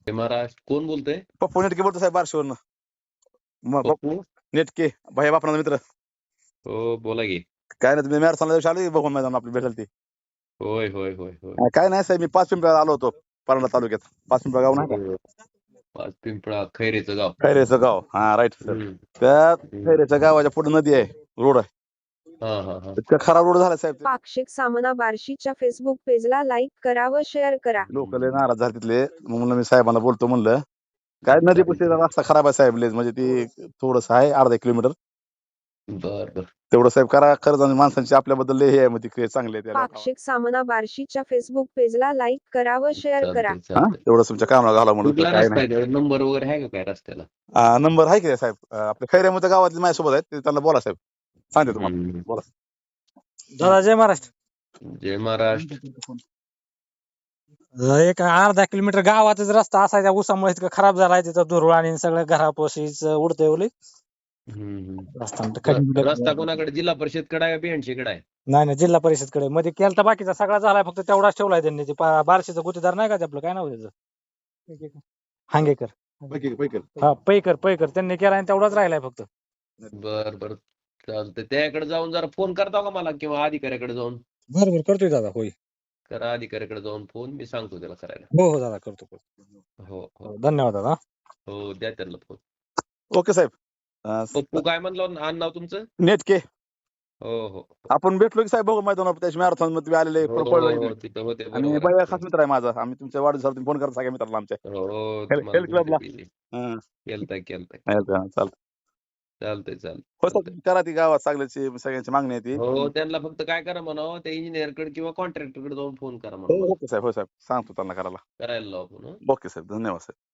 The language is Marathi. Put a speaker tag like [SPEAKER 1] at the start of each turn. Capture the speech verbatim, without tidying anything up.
[SPEAKER 1] जय महाराष्ट्र. कोण बोलतंय?
[SPEAKER 2] पप्पू नेटके बोलतो साहेब बारशीवरनं. मग
[SPEAKER 1] पप्पू?
[SPEAKER 2] नेटके भैया बापराचा मित्र.
[SPEAKER 1] हो बोला की.
[SPEAKER 2] काय नाही तुम्ही मॅरेथॉनला दिवशी आलो की बघून मैदान आपली भेटेल ती.
[SPEAKER 1] होय होय होय होय.
[SPEAKER 2] अं, काय नाही साहेब मी पाच पिंपळ्याला आलो होतो परंडा तालुक्यात. पाच पिंपळा गाव नाही का?
[SPEAKER 1] हो. पाच पिंपळा खैरेचं गाव.
[SPEAKER 2] खैरेचं गाव. हा राईट सर.
[SPEAKER 1] हम्म.
[SPEAKER 2] त्या
[SPEAKER 1] हम्म.
[SPEAKER 2] खैरेच्या गावाच्या पुढे नदी आहे, रोड आहे.
[SPEAKER 1] हा हा हा.
[SPEAKER 2] इतका खराब रोड झाला साहेब.
[SPEAKER 3] पाक्षिक सामना बार्शीच्या फेसबुक पेजला लाईक करा व शेअर करा.
[SPEAKER 2] लोक लय नाराज झाले तिथले. मग म्हणलं मी साहेबांना बोलतो म्हणलं. काय नदी पुढे रस्ता खराब आहे साहेब लय, म्हणजे ती थोडस आहे अर्धा किलोमीटर.
[SPEAKER 1] बर बर.
[SPEAKER 2] तेवढं साहेब करा खरंच, आणि माणसांची आपल्याबद्दल लय हे आहे, म्हणजे ते चांगले आहे.
[SPEAKER 3] पाक्षिक सामना बार्शीच्या फेसबुक पेजला लाईक करा व शेअर करा.
[SPEAKER 1] चालतंय चालतंय.
[SPEAKER 2] तेवढं तुमच्या कामाला घाला म्हणून.
[SPEAKER 1] कुठला
[SPEAKER 2] काय
[SPEAKER 1] रस्ता
[SPEAKER 2] नाही
[SPEAKER 1] आहे? नंबर वगैरे आहे का काय रस्त्याला?
[SPEAKER 2] आ, नंबर आहे की साहेब. अं, आपल्या खैऱ्यामध्ये गावातले माझ्यासोबत आहेत, ते त्यांना बोला साहेब, सांगते तुम्हाला.
[SPEAKER 1] हम्म.
[SPEAKER 2] बोला.
[SPEAKER 4] दादा जय महाराष्ट्र.
[SPEAKER 1] जय महाराष्ट्र.
[SPEAKER 4] एक अर्धा किलोमीटर गावातच रस्ता असायचा, उसामुळे इतका खराब झालाय, तिथं धुरळ आणि सगळं घरापाशीच उडतंय ओले
[SPEAKER 1] हम्म, हम्म.
[SPEAKER 4] रस्ता.
[SPEAKER 1] र- रस्ता कोणाकडे? जिल्हा परिषद कडे आहे का बीएनसी कडे आहे?
[SPEAKER 4] नाही नाही, जिल्हा परिषद कडे मध्ये केलता, बाकीचा सगळा झालाय, फक्त तेवढाच ठेवलाय त्यांनी. ते पा- बार्शीचं गुत्तेदार नाही का ते आपलं, काय नाव त्याचं, हांगेकर.
[SPEAKER 2] पैकी- पैकी.
[SPEAKER 4] हा पैकर पैकर त्यांनी केलाय आणि तेवढाच राहिलाय फक्त.
[SPEAKER 1] बर बर. चालतंय. त्याकडे जाऊन जरा फोन करता का मला, किंवा अधिकाऱ्याकडे जाऊन?
[SPEAKER 4] बरोबर करतोय दादा. होय
[SPEAKER 1] करा अधिकाऱ्याकडे जाऊन फोन, मी सांगतो त्याला करायला.
[SPEAKER 4] हो हो दादा, करतो करतो.
[SPEAKER 1] हो हो
[SPEAKER 4] हो, धन्यवाद दादा.
[SPEAKER 1] हो. द्या त्यांना फोन.
[SPEAKER 2] ओके साहेब. अं,
[SPEAKER 1] पप्पू काय म्हणलं आण नाव तुमचं?
[SPEAKER 2] नेटके.
[SPEAKER 1] हो हो
[SPEAKER 2] आपण भेटलो की साहेब बघू मैदान, त्याच्या मॅरेथॉन मध्ये तुम्ही आलेले
[SPEAKER 1] हो,
[SPEAKER 2] पळलो
[SPEAKER 1] हो,
[SPEAKER 2] इथे.
[SPEAKER 1] तिथं होते
[SPEAKER 2] आणि
[SPEAKER 1] बरोबर
[SPEAKER 2] भैया
[SPEAKER 1] आहे.
[SPEAKER 2] खास मित्र आहे माझा. आम्ही तुमच्या वाढदिवसाला फोन करता सगळ्या मित्राला आमच्या
[SPEAKER 1] हो
[SPEAKER 2] हेल्थ
[SPEAKER 1] तुम्हाला
[SPEAKER 2] क्लबला.
[SPEAKER 1] बोलते की. केलताय केलताय.
[SPEAKER 2] चालतं.
[SPEAKER 1] चालतंय चालतंय
[SPEAKER 2] हो
[SPEAKER 1] चालतंय.
[SPEAKER 2] सर, करा ती गावात सगळ्याची सगळ्यांची मागणी आहे ती.
[SPEAKER 1] हो त्यांना फक्त काय करा म्हणावं, त्या इंजिनियर कडे किंवा कॉन्ट्रॅक्टर कडे जाऊन फोन करा
[SPEAKER 2] हो
[SPEAKER 1] म्हणा.
[SPEAKER 2] ओके साहेब. हो साहेब, सांगतो त्यांना करायला.
[SPEAKER 1] करायला लावा फोन.
[SPEAKER 2] ओके साहेब, धन्यवाद साहेब.